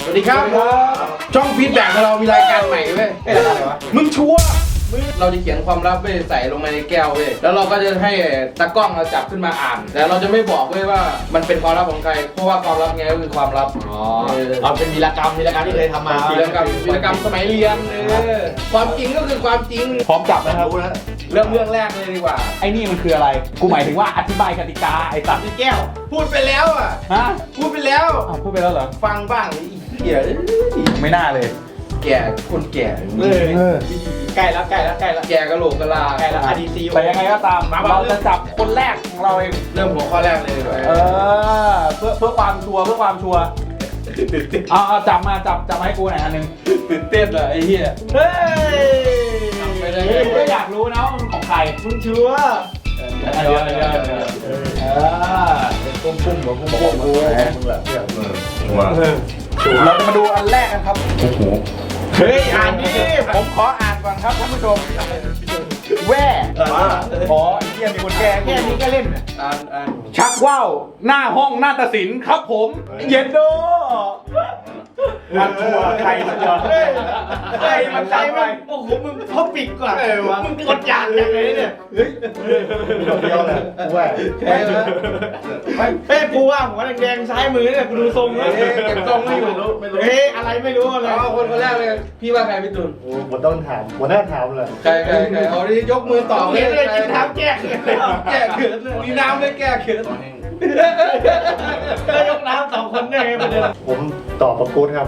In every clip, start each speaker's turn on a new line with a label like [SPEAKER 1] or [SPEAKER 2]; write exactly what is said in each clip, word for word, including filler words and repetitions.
[SPEAKER 1] วัสดีครับช่องฟีดแบ็กของเรามีรายการใหม่เว้ยอะไรวะมึงชัวร์เราจะเขียนความลับไปใส่ลงมาในแก้วเว้ยแล้วเราก็จะให้ตากล้องเราจับขึ้นมาอ่านแต่เราจะไม่บอกเว้ยว่ามันเป็นความลับของใครเพราะว่าความลับไงก็คือความลับอ๋อ
[SPEAKER 2] เอาเป็นวีรกรรมวีรกรรมที่เคยทำมา
[SPEAKER 1] วีรกรรมวีรกรรมสมัยเรียนเออความจริงก็คือความจริง
[SPEAKER 3] พร้อมจับนะครับ
[SPEAKER 1] เรื่องเรื่องแรกเลยดีกว่า
[SPEAKER 3] ไอ้นี่มันคืออะไรกูหมายถึงว่าอธิบายกติกาไอ้สัตว์
[SPEAKER 1] ที่แก้วพูดไปแล้วอ่ะ
[SPEAKER 3] ฮะ
[SPEAKER 1] พูดไปแล้ว
[SPEAKER 3] อ้าวพูดไปแล้วเหรอ
[SPEAKER 1] ฟังบ้างเหี้ย
[SPEAKER 3] ไม่น่าเลย
[SPEAKER 1] แก่คนแก่
[SPEAKER 2] เลยใกล้แล้วใกล้แล้วใกล้แล้ว
[SPEAKER 1] แก่กะโหลกกะลา
[SPEAKER 2] ใกล้แล้ว อาร์ ดี ซี
[SPEAKER 3] แต่ยังไงก็ตามเราจะจับคนแรกของเราเอง
[SPEAKER 1] เริ่มหัวข้อแรกเลยด้วย
[SPEAKER 3] เออเพื่อเพื่อความชัวร์เพื่อความชัวร์เอาเอาจับมาจับจับมาให้กูหน่อยอันนึง
[SPEAKER 1] ตื่นเต้นเหรอไอ้เหี้ย
[SPEAKER 3] เฮ้ยไม่ได้ก็อยากรู้นะว่ามันของใคร
[SPEAKER 2] มึงชัวร์
[SPEAKER 3] เดี๋ยวเดี๋ยวเดี๋ยวเออ
[SPEAKER 2] ปุ้มปุ้มหัวปุ้มปุ้มมึงมึงแบบเนี่ย
[SPEAKER 3] ชัวร์เราจะมาดูอันแรกกันครับโอ้โห
[SPEAKER 1] เฮ้ยอ่านนี่ผมขออ่านก่อนครับท่านผู้ชม
[SPEAKER 3] แว่อ๋อไอ้เหี้ยมีคนแก้แค่นี้ก็เล่น
[SPEAKER 1] อ่านอ่าน
[SPEAKER 3] ชักว่าวหน้าห้องหน้าตัดสินครับผมเย็นโดมันชัวใครมันชัวใครมันใครมัน
[SPEAKER 2] โอ้โหมึงท็อปปิกกว่ามึงกดยานยังไงเนี่ยเฮ้ยเดียวเลยกูว่า
[SPEAKER 1] ใช่ไหม
[SPEAKER 2] เฮ้ยกูว่าหัวแดงซ้ายมือเนี่ยกูดูทรงแล้ว
[SPEAKER 1] เก็บทรงไม่อยู่
[SPEAKER 2] เฮ้ยอะไรไม่รู้อะไร
[SPEAKER 1] เอาคนคนแรกเลยพี่ว่าใครพี่ตุล
[SPEAKER 4] โอ้ผมต้องถามหัวหน้าถามเลย
[SPEAKER 1] ใครใครใครเอาดิยกมือตอบ
[SPEAKER 2] เลยเลยกินน้ำแก้เขิน
[SPEAKER 1] แก้เขินมีน้ำไม่แก้เขิน
[SPEAKER 2] แล้วยกน้ำสองคนได้ไงประเด็น
[SPEAKER 4] ผมตอบประกูดครับ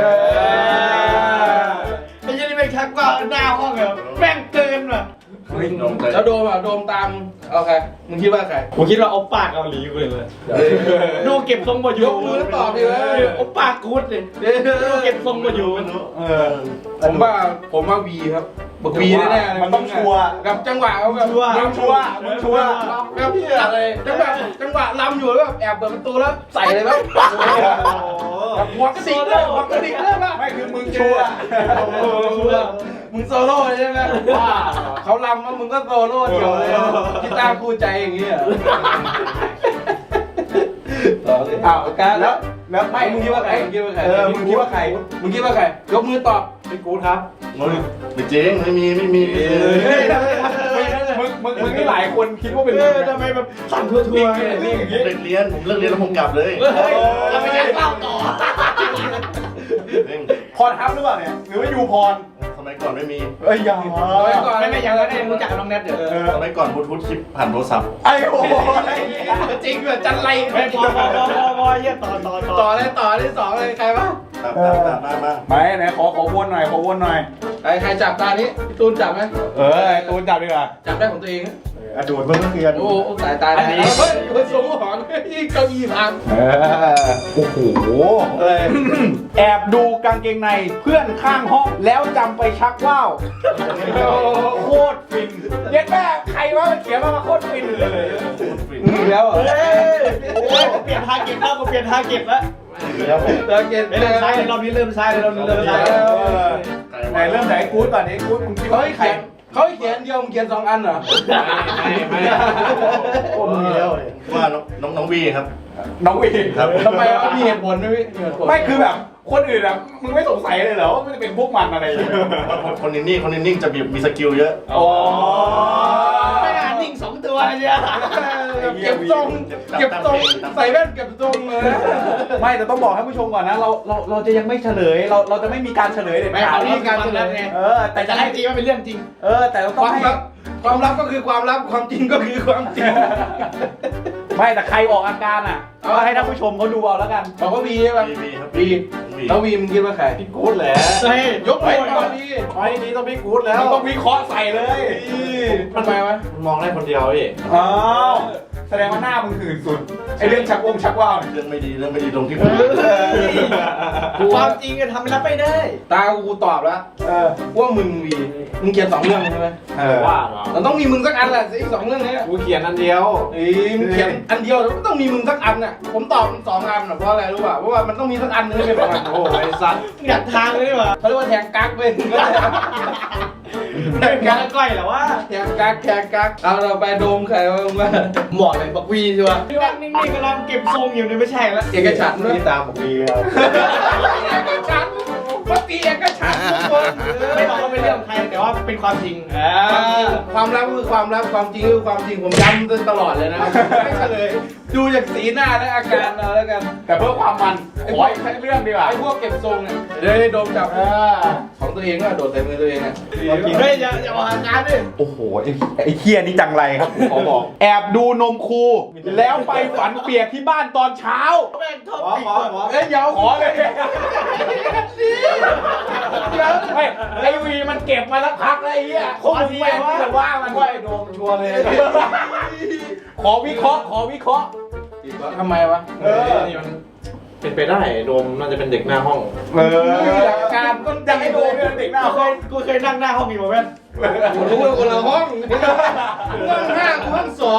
[SPEAKER 2] ไอ้ยี่นี่ไม่ชักว่าหน้าห้องเหรอแม่งเกินว่ะ
[SPEAKER 1] แล้วโดมอ่ะโดมตามเอาใครมึงคิดว่าใคร
[SPEAKER 2] ผมคิดว่าโอป้าเกาหลีกูเลยดูเก็บทรงประยุ
[SPEAKER 1] กต์มือตอบดิเว้ย
[SPEAKER 2] โอป้ากูดเลยดูเก็บทรงประยุกต์
[SPEAKER 1] เออผมว่าผมว่าวีครับบอกวีแน่ๆ
[SPEAKER 3] มันต้องชัวร์
[SPEAKER 1] กับจังหวะเขาแบบ
[SPEAKER 3] มึงชัวร์มึงชัวร์
[SPEAKER 1] แบบอะไรจังหวะจังหวะลำอยู่แล้วแบบแอบเปิดประตูแล้วใส่เลยไหมหัวกระดิกเลยหัวกระดิกเลยป่ะ
[SPEAKER 3] ไม่คือมึงชัวร์
[SPEAKER 1] มึงโซโล่ใช่ไหมว่าเขาลำแล้วมึงก็โซโล่เดียวเลยกีตาร์คู่ใจอย่างเงี้ยอ้าวการแล้วแล้วไม่มึงคิดว่าใครมึงคิดว่าใครเออมึงคิดว่าใครมึงคิดว่าใครยกมือตอบ
[SPEAKER 4] พี่กู๊ดครับไม่จริงไม่มีไม่มี
[SPEAKER 3] มึงมึงมึงนี่หลายคนคิดว่าเป็นมึง
[SPEAKER 2] ทำไมแบบสั่นทั่วทั่ว
[SPEAKER 4] นี่อย่างเงี้ยเรียนผมเลิกเรียนแล้วผมกลับเลย
[SPEAKER 2] เราไม่ใช่เล่าต่อ
[SPEAKER 3] พรทับหรือเปล่าเนี่ยหรือว่ายูพร
[SPEAKER 4] สมัยก่อนไม่มี
[SPEAKER 3] เอ้ยยัง
[SPEAKER 1] สมัยก่อน
[SPEAKER 2] ไม่ไม่ยังไม่รู้จักน้องแนทเดี๋ยว
[SPEAKER 4] สมัยก่อนบลูทูธคลิปผ่านโทรศัพท์
[SPEAKER 3] ไอ้โอ้
[SPEAKER 1] จริงเหรอจันไร
[SPEAKER 2] ไม่พอพอพอพอเยี่ยต่อต่อ
[SPEAKER 1] ต่อเลยต่อเลยสองเลยใครวะ
[SPEAKER 4] ตับตับตับมามา
[SPEAKER 3] ไม่ไหนขอขอวนหน่อยขอวนหน่อย
[SPEAKER 1] ใครใครจับตานี้พี่ตูนจับไหม
[SPEAKER 3] เออตูนจับดีกว่า
[SPEAKER 1] จับได้ของตัวเอง
[SPEAKER 4] อดูดเมื่อกี้
[SPEAKER 1] โอ้สายตาไหนเฮ้ยเฮ้ยสมหวังยิ่งเก้าอี้พัง
[SPEAKER 3] โอ้โหแอบดูกางเกงในเพื่อนข้างห้องแล้วจำไปชักว่าวโคตรฟินเย็ดแม่ใครวะมันเขียนมาโคตรฟินเลย
[SPEAKER 1] แล้ว
[SPEAKER 2] เฮ้ยเปลี่ยนทาร์เก็ตแล้วกูเปลี่ยนทาร์เก็ตแล้ว
[SPEAKER 1] แล้วทาร์เก็ต
[SPEAKER 2] เริ่มซ้ายเรานี้เริ่มซ้ายเรานี้เริ่มซ้าย
[SPEAKER 3] ไหนเริ่มไหนกู๊ดก่อนนี้กู๊ดมึงคิดว่าใคร
[SPEAKER 1] เขาเขียนเดียวมึงเขียนสองอันเหรอ
[SPEAKER 4] ไม่ไม่โอ้มีแล้วว่าน้องน้องวีครับ
[SPEAKER 3] น้องวี
[SPEAKER 4] ครับ
[SPEAKER 1] ทำไมเขามีเหตุผลไหมพี่
[SPEAKER 3] ไม่คือแบบคนอื่นอะมึงไม่สงสัยเลยเหรอว่ามันจะเป็นพวกมันอะไรอย่างเงี้ย
[SPEAKER 4] คนนิ่งคนนิ่งจะมีมีสกิลเยอะ
[SPEAKER 3] อ๋อ
[SPEAKER 2] ไม่น่านิ่งสองตัวเนี่ย
[SPEAKER 1] เก็บทรงเก็บทรงใส่แว่นเก็บทรงเลย
[SPEAKER 3] ไม่แต่ต้องบอกให้ผู้ชมก่อนนะเราเราเราจะยังไม่เฉลยเราเราจะไม่มีการเฉลยเด็ดขาด
[SPEAKER 2] ไม่มีการเฉลยไง
[SPEAKER 3] เออแต่
[SPEAKER 2] จะให้จริงว่าเป็นเรื่องจริง
[SPEAKER 3] เออแต่เราต้องให้
[SPEAKER 1] ความลับก็คือความลับความจริงก็คือความจริง
[SPEAKER 3] ไม่แต่ใครออกอาการอ่ะก็ให้ท่านผู้ชมเขาดูเอาแล้วกัน
[SPEAKER 1] บอกว่าวีใช่ป่ะ
[SPEAKER 4] วีครับ
[SPEAKER 1] วีแล้ววีมึงคิดว่าใคร
[SPEAKER 4] พี่กู๊ดแหละ
[SPEAKER 1] เฮ้ยยกไปก่อนดี
[SPEAKER 4] ไปนี้ต้องพี่กู๊ดแล้ว
[SPEAKER 3] ต้องวิเคราะห์ใส่เลย
[SPEAKER 1] ทำไมวะ
[SPEAKER 4] มองได้คนเดียวพี่
[SPEAKER 3] อ้าวแสดงว่าหน้ามึงหื่นสุดไอเรื่องชักวงชักว่าว
[SPEAKER 4] เรื่องไม่ดีเรื่องไม่ดีตรงที่
[SPEAKER 2] ความจริงจะทำรับไม่ได้
[SPEAKER 1] ตากูตอบแล้วว่ามึงวีมึงเขียนสองเรื่องใช่ไหม
[SPEAKER 4] ว่า
[SPEAKER 1] มันต้องมีมึงสักอันแหละอีกสองเรื่องนี้
[SPEAKER 4] กูเขียนอันเดียว
[SPEAKER 1] เอ้ยมึงเขียนอันเดียวแล้วก็ต้องมีมึงสักอันน่ะผมตอบสองอันเพราะอะไรรู้ป่ะเพราะว่ามันต้องมีสักอันนึงที่เป็นประมาณโอ้ไอ้สัตว์
[SPEAKER 2] อยากทางเลยว่ะ
[SPEAKER 1] เขาเรียกว่าแทงกั๊กเว้ย
[SPEAKER 2] แทงกั๊กก้อยเหรอวะ
[SPEAKER 1] แทงกั๊กแทงกั๊กเอาเราไปโดมใครบ้างวะ
[SPEAKER 2] หมอน
[SPEAKER 1] เลยบักวีใช่ปะ
[SPEAKER 2] นั่งนิ่งๆกำลังเก็บทรงอยู่เนี่ยไม่ใช่แล้ว
[SPEAKER 1] เอกฉันท์ด้วย
[SPEAKER 4] นี่ตามผมดีครับ
[SPEAKER 1] เอกฉันท์ปฏิเอกฉันท์ทุกคน
[SPEAKER 2] ไม่บอกว่าเป็นเรื่องของใครแต่ว่าเป็นความจริงอ่า
[SPEAKER 1] ความลับคือความลับความจริงคือความจริงผมย้ำตลอดเลยนะไม่เฉลยดูจากสีหน้าและอาการเราแล้วกัน
[SPEAKER 3] แต่เพื่อความมันขออีกสักเรื่องดีกว่า
[SPEAKER 1] ไอ้พวกเก็บทรงเนี่ยเดี๋ยวให้โดมจับ
[SPEAKER 3] เออ
[SPEAKER 1] ของตัวเองก็โดดใส่มือตัวเองอ่ะ
[SPEAKER 2] เฮ้ยอย่าอย่ามาหาการดิ
[SPEAKER 3] โอ้โหไอ้ไอ้เคียนี่จังไรครับขอบอก แอบดูนมครูแล้วไปฝันเปียกที่บ้านตอนเช้า
[SPEAKER 2] แม่งชอบ
[SPEAKER 4] ขอ
[SPEAKER 2] ปิด
[SPEAKER 4] ขอ
[SPEAKER 2] ก่อน
[SPEAKER 4] ขอ
[SPEAKER 1] เอ้ยเดี๋ยว
[SPEAKER 3] ขอเลยเฮ้ยไอวีมันเก็บมาแล้วพักแล้วไอ้เหี้ยคงแม่งแต่ว่ามันว่าไอ้โดมชัวร์เลย ขอวิเคราะห์ขอวิเคราะห์
[SPEAKER 1] ทำไมวะ
[SPEAKER 3] เออ
[SPEAKER 4] นี่มันเป็นไปได้โดมน่าจะเป็นเด็กหน้าห้อง
[SPEAKER 3] เออ
[SPEAKER 1] หลักการต้น
[SPEAKER 3] จะให้ดูเรื่องเด็กหน้า
[SPEAKER 2] กูเค
[SPEAKER 3] ห้อง
[SPEAKER 2] ยกูเคยนั่งหน้าห้องอยู่มาแม่น
[SPEAKER 1] กูรู้ว่าคนละห้องห้องห้ากูห้องสอง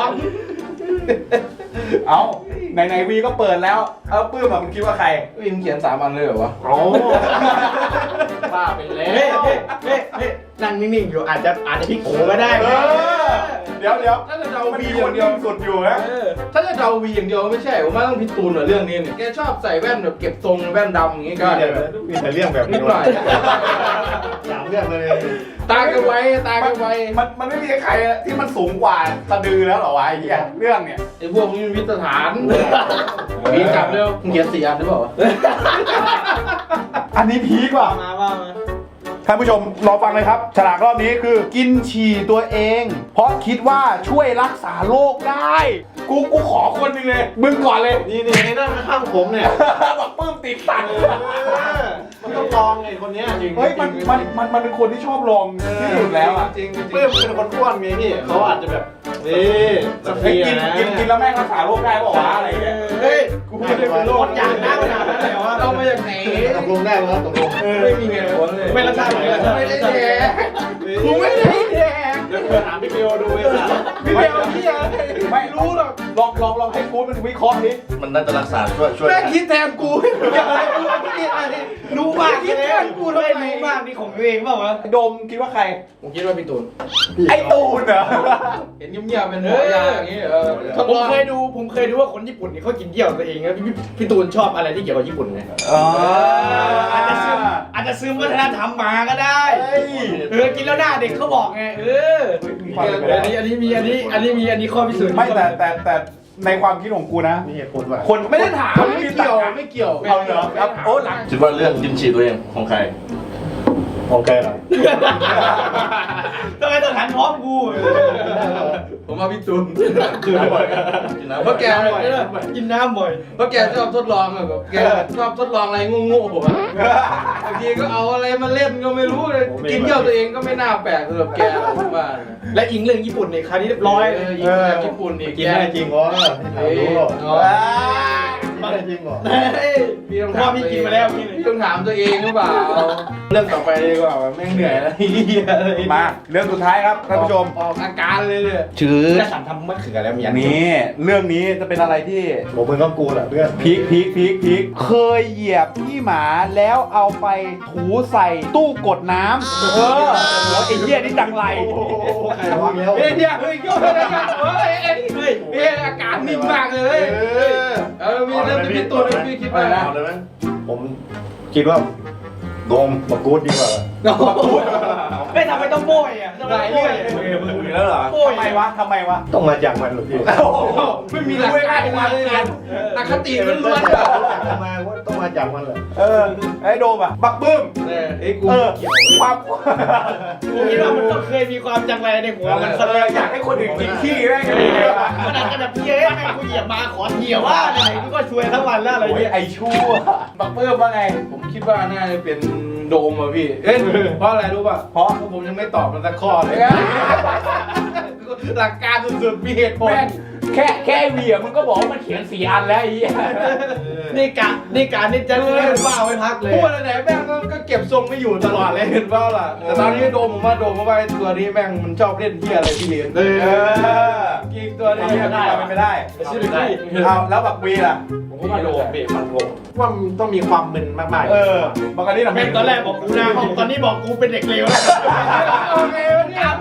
[SPEAKER 3] เอาไหนไหนวีก็เปิดแล้ว เอาปื้มอะมึงคิดว่าใคร
[SPEAKER 1] วิมเขียนสามอันเลยเหรอวะ
[SPEAKER 4] โอ้บ้าไปแล้
[SPEAKER 2] เฮ้ยว เฮ้ยเฮ้ยเฮ้ยนั่งนิ่งๆอยู่อาจจะอาจจะพลิกโผก็ได้
[SPEAKER 3] เอ
[SPEAKER 2] นะ
[SPEAKER 3] อ เดี๋ยวเดี๋ยว
[SPEAKER 1] ถ้าจะเดา
[SPEAKER 3] มัน
[SPEAKER 1] วี
[SPEAKER 3] มี
[SPEAKER 1] อ
[SPEAKER 3] ค
[SPEAKER 1] ย่าน งเดี
[SPEAKER 3] นิ่
[SPEAKER 1] ยว
[SPEAKER 3] งสุดอยู่นะ
[SPEAKER 1] ถ้าจะเดาวีอย่างเดียวไม่ใช่ผมว่าต้องพิตูนเหรอเรื่องนี้เนี่ยแกชอบใส่แว่นแบบเก็บทรงแว่นดำอย่างงี้ก็
[SPEAKER 4] เดี๋ยวมีแต่เรื่องแบบ
[SPEAKER 1] นิ
[SPEAKER 4] นี้
[SPEAKER 1] ดหน่อย
[SPEAKER 4] สามเรื่องเลย
[SPEAKER 1] ตากันไว้ตากันไว้
[SPEAKER 3] มันมันไม่มีใครที่มันสูงกว่าสะดือแล้วเหรอวะไอ้เหี้ยเรื่องเนี่ย
[SPEAKER 1] ไอ้พวกนี้มันวิตฐานมีกลับเร็วมึงเขียนสี่อันหรือเปล่าวะ
[SPEAKER 3] อันนี้พีกว่า
[SPEAKER 2] มาว่ามา
[SPEAKER 3] ท่านผู้ชมรอฟังเลยครับ ฉลากรอบนี้คือกินฉี่ตัวเอง เพราะคิดว่าช่วยรักษาโรคได้ กูกูขอคนหนึงเลย มึงก่อนเลย
[SPEAKER 4] นี่นี่ไอ้นั่นข้างผมเนี่ย
[SPEAKER 3] บอกปื้มติดตัง
[SPEAKER 4] มันต้องลองไอ้คนเนี้ยจริง
[SPEAKER 3] เฮ้ยมันมันมันมันเป็นคนที่ชอบลองที่สุดแล้วอ่ะ
[SPEAKER 1] จริงจริง
[SPEAKER 4] เพื่อนเป็นคนอ้วนไงพี่เขาอาจจะแบบนี่สัก
[SPEAKER 3] เฮ้
[SPEAKER 4] ที
[SPEAKER 3] ยกิน
[SPEAKER 4] นะ
[SPEAKER 3] กินกินแล้วแม่งรักษาโรคได้เปล่าวะอะไรเงี้ย
[SPEAKER 2] เฮ้ย
[SPEAKER 3] กูไม่ได้เป็นโรค
[SPEAKER 2] อย่างนั้นขนาดนั้นเลยว่า
[SPEAKER 1] เอามาจากไหน
[SPEAKER 4] ตกลงได้ไหมครับตกลง
[SPEAKER 1] ไม่มีเหตุผลเลย
[SPEAKER 2] ไม่รักษาไม่รักษา
[SPEAKER 1] ไม่ได้แดกกูไม่ได้แดก
[SPEAKER 4] เดี๋ยวเพื่อนถามพี่เบลดูไอ้สัส
[SPEAKER 1] พี่เบลพี่อะไรไม่รู้หรอก
[SPEAKER 3] ลองลองลองให้กูดมันวิเคราะห์ดิ
[SPEAKER 4] มันน่าจะรักษาช่วยช่วย
[SPEAKER 1] แม่งคิดแทนกูอะไรกูคิดอะไร
[SPEAKER 2] รู้มาก
[SPEAKER 1] คิดแทนกูทำไม
[SPEAKER 2] รู้มากนี่ของตัวเองเปล่าวะ
[SPEAKER 3] โดมคิดว่าใคร
[SPEAKER 1] ผมคิดว่าพี่ตูน
[SPEAKER 3] ไอ้ตูนเหรอ
[SPEAKER 1] เห็นเงียบๆเป็นหมอยาอย่างงี้เออทด
[SPEAKER 2] ผ
[SPEAKER 1] ล
[SPEAKER 2] ม
[SPEAKER 1] อง
[SPEAKER 2] เคยดูผมเคยดูว่าคนญี่ปุ่นนี่เขากินเยี่ยวตัวเองนะพี่พี่ตูนชอบอะไรที่เกี่ยวกับญี่ปุ่นไง
[SPEAKER 3] อ๋อ
[SPEAKER 2] อาจจะซึมอาจจะซึมวัฒนธรรมมาก็ได้
[SPEAKER 3] เฮ้ย
[SPEAKER 2] เออกินแล้วหน้าเด็กเขาบอกไงเอออันนี้อันนี้มีอันนี้อันนี้มีอันนี้ข้อพิสูจน์
[SPEAKER 3] ไม่แต่แต่แต่ในความคิดของกูนะ
[SPEAKER 4] มีเหตุผลว่ะ
[SPEAKER 3] คนไม่ได้ถาม
[SPEAKER 1] ไม่
[SPEAKER 3] มี
[SPEAKER 1] เกี่ยว
[SPEAKER 3] ตัก
[SPEAKER 1] ไม่เกี่ยว
[SPEAKER 3] เอาเหรอครับโอ้หลัง
[SPEAKER 4] คิดว่าเรื่องกินฉี่ตัวเองของใครของใครล่ะ
[SPEAKER 2] ทำไมต้องหันพร้อมกู
[SPEAKER 1] ผมว่าพี่ตูน
[SPEAKER 4] กินน้ำบ่อยกินน้ำ
[SPEAKER 1] เพราะแก
[SPEAKER 2] กินน้ำบ่อย
[SPEAKER 1] เพราะแกชอบทดลองแบบแกชอบทดลองอะไรโง่ๆผมอะบางทีก็เอาอะไรมาเล่นก็ไม่รู้เลยกินเที่ยวตัวเองก็ไม่น่าแปลกสำหรับแกผมว่า
[SPEAKER 2] และอิงเรื่องญี่ปุ่นในคราวนี้เรียบร้อย
[SPEAKER 1] เออญี่ปุ่นญี่ปุ่นอีก
[SPEAKER 4] กินได้จริงเหรอถามรู้หรอ
[SPEAKER 3] อ่า
[SPEAKER 4] ไม่ได้จริงเหรอ
[SPEAKER 1] พี่ต้อง
[SPEAKER 2] พ่
[SPEAKER 1] ถา
[SPEAKER 2] อ
[SPEAKER 1] ม
[SPEAKER 2] พี่กินมาแล้วพี่
[SPEAKER 1] พี่ต้องถามตัวเองหรือเปล่าเรื่องต่อไปดีกว่าแม่งเหนื่อยแล้วเฮียอะไร
[SPEAKER 3] มาเรื่องสุดท้ายครับท่านผู้ชม
[SPEAKER 1] ออกอาการเลยเลย
[SPEAKER 3] ชื่อ
[SPEAKER 2] จะสั่นทำมะเขือแล้วมีอัน
[SPEAKER 3] นี่เรื่องนี้จะเป็นอะไรที่
[SPEAKER 4] ผมมึงต้องกูแหละเพื่อน
[SPEAKER 3] พีคพีคพีคพีคเคยเหยียบขี้หมาแล้วเอาไปถูใส่ตู้กดน้ำเออแล้วไอ้เหี้ยนี่จังไร
[SPEAKER 4] ใครวะแล้ว
[SPEAKER 1] เฮ้ยเนี่ยเฮ้ยโยนอะไรกันเฮ้ยเฮ้ยเฮ้ยเฮ้ยอาการนิ่งมากเลยเออมีเรื่องที่พี่ตูนพี่คิดว่านะ
[SPEAKER 4] เอาเลยไหมผมคิดว่าโดมมากูดดีกว่า
[SPEAKER 2] ไม่ทำไมต้องโบยอ่ะทำไมต้องโบย
[SPEAKER 3] มึงอยู่แล้วเหรอทำไมวะทำไมวะ
[SPEAKER 4] ต้องมาจากมันหรอพี่
[SPEAKER 1] ไม่มีหลักการมาเลยนะอคติล้วนๆอ่ะ
[SPEAKER 4] มาว่าต้องมาจากมันเหรอ
[SPEAKER 3] เออไอ้โดมอ่ะบักบึ้ม
[SPEAKER 1] เอ้ยกู
[SPEAKER 3] เออความ
[SPEAKER 2] กูคิดว่ามันต้องเคยมีความจังไรในหัวมัน
[SPEAKER 3] เอออยากให้คนอื่นกินขี้แม่ง
[SPEAKER 2] มันอาจจะแบบเย้แม่งกูเหยียบมาขอเหยียบว่าไหนกูก็ช่วยทั้งวันแล้วอะไร
[SPEAKER 3] โอ้ย
[SPEAKER 2] เงี้ย
[SPEAKER 3] ไอ้ชั่วบักบึ้มว่าไง
[SPEAKER 1] ผมคิดว่าน่าจะเป็นโดมอ่ะพี่ เอ้ยเพราะอะไรรู้ป่ะ
[SPEAKER 3] เพราะ
[SPEAKER 1] ผมยังไม่ตอบมันสักข้อเลย หลักการสุดๆมีเหตุผล
[SPEAKER 3] แม่งแค่แค่ไอ้เวียมึงก็บอกว่ามันเขียนสี่อันแล้วไอ้เหี้ย
[SPEAKER 2] นี่กะนี่การนี่จะเล่นบ้าไว้พักเลย
[SPEAKER 1] พูดอะไรไหนแม่งก็เก็บทรงไม่อยู่ตลอดเลยเห็นเปล่าล่ะ แต่ตอนนี้โดมผมว่าโดมเพราะว่าไอ้ตัวนี้แม่งมันชอบเล่นเที่ยอะไรที่เรียน
[SPEAKER 3] เออ
[SPEAKER 1] กิงตัวนี้
[SPEAKER 3] ทำไม่ได้ทำไม่ได้
[SPEAKER 2] ชื่อได้
[SPEAKER 3] เอาแล้วบักวีล่ะ
[SPEAKER 4] ผมก็มาโดมพี่ฟันผมว่ามันต้องมีความมึนมากๆ
[SPEAKER 3] เออบักอันนี้ทำ
[SPEAKER 2] แม่งตอนแรกบอกกูหน้าห้องตอนนี้บอกกูเป็นเด็กเลวแล้ว
[SPEAKER 1] โอเควะเนี่ย
[SPEAKER 2] ตามไม่ทันเลย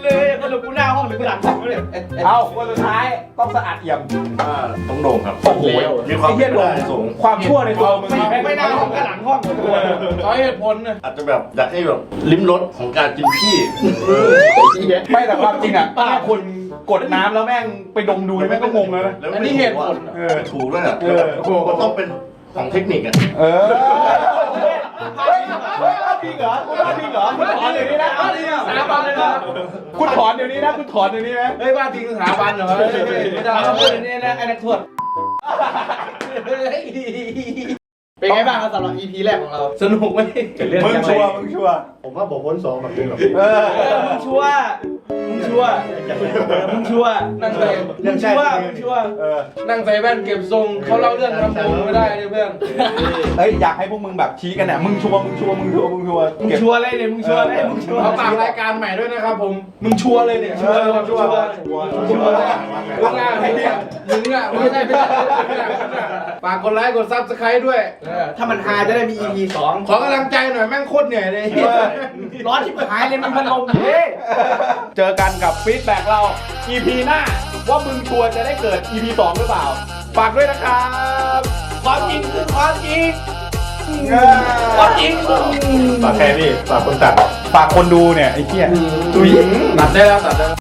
[SPEAKER 2] เลยสรุปกูหน้าห้องหรือกูหลังห้องเนี่ย
[SPEAKER 3] เอาคนสุดท้ายต้องสะอาดเอี่ยม
[SPEAKER 4] อ่าต้องโด่งครับ
[SPEAKER 3] โอ้โห
[SPEAKER 4] มีความ
[SPEAKER 3] ไอ้เหี้ยโด่ง
[SPEAKER 4] สูง
[SPEAKER 3] ความชั่วในตัวมึง
[SPEAKER 2] ไม่ไม่หน้าห้องก็หลังห้องหมดเลย
[SPEAKER 1] ขอเหตุผลนะ
[SPEAKER 4] อาจจะแบบอยากให้แบบลิ้มรสของการกินขี้
[SPEAKER 3] ไม่แต่ความจริงอ่ะแค่คุณกดน้ำแล้วแม่งไปดมดูนี่แม่งก็งงแล้วนะ
[SPEAKER 4] แล้ว
[SPEAKER 1] อันนี้เหตุผล
[SPEAKER 4] เออถูกด้วยอ่ะ
[SPEAKER 3] เออ
[SPEAKER 4] มันต้องเป็นของเทคนิคอ่ะ
[SPEAKER 3] เออเฮ้ยเฮ้ยเอาจริงเหรอคุณเอาจริงเหรอคุณถอนเดี๋ยวนี้นะเอาจริงอ่ะ
[SPEAKER 1] สถาบันเลยนะ
[SPEAKER 3] คุณถอนเดี๋ยวนี้นะคุณถอนเดี๋ยวนี้นะ
[SPEAKER 1] เฮ้ยว่าจริงสถาบันเหรอไม่ได้
[SPEAKER 2] เอาพูดนี่นะไอ้นักโทษเป็นไงบ้างครับสำหรับ อี พี แรกของเรา
[SPEAKER 1] สนุกไหม
[SPEAKER 3] มึงชัวร์มึงชัวร์
[SPEAKER 4] ผมว่าบอกพ้นสองแบบนี้หรอก
[SPEAKER 3] เออ
[SPEAKER 2] เออมึงชัวร์มึงชัวร์มึงชัวร์
[SPEAKER 1] นั่งใส่
[SPEAKER 2] มึงชัวร์มึงชัวร์
[SPEAKER 3] เออ
[SPEAKER 1] นั่งใส่แว่นเก็บทรงเขาเล่าเรื่องทำผมไม่ได้เลยเพื่อน
[SPEAKER 3] เฮ้ยอยากให้พวกมึงแบบชี้กันเนี่ยมึงชัวร์มึงชัวร์มึงชัวร์มึงชัวร์
[SPEAKER 2] มึง
[SPEAKER 3] เก็บ
[SPEAKER 2] ชัวร์เลยเนี่ยมึงชัวร์เลยมึงชัวร์
[SPEAKER 1] เขาฝากรายการใหม่ด้วยนะครับผมมึงชัวร์เลยเนี่ย
[SPEAKER 2] ชัวร์
[SPEAKER 1] ชัวร์
[SPEAKER 2] ชัวร์
[SPEAKER 1] ชัวร์มึงอ่ะมึงอ่ะไม่ใช่ไม่ใช่ฝากกดไลค์กดซับสไครต์ด้วย
[SPEAKER 2] ถ้ามันฮาจะได้มี อี พี สอง
[SPEAKER 1] ขอกำลังใจหน่อยแม่งโคตรเหนื่อยเลย
[SPEAKER 2] ร้อนที่หายเลยมันพันลมเฮ้
[SPEAKER 3] เจอกันกับฟีดแบ็กเรา อี พี หน้าว่ามึงชัวร์จะได้เกิด อี พี สองหรือเปล่าฝากด้วยนะครับ
[SPEAKER 2] ความจริงคือความจริง
[SPEAKER 3] เออ
[SPEAKER 2] ความจริง
[SPEAKER 4] ฝากแค่นี้ฝากคนตัด
[SPEAKER 3] ฝากคนดูเนี่ยไอ้เหี้ย
[SPEAKER 1] ตัดได้แล้วตัดได้แล้ว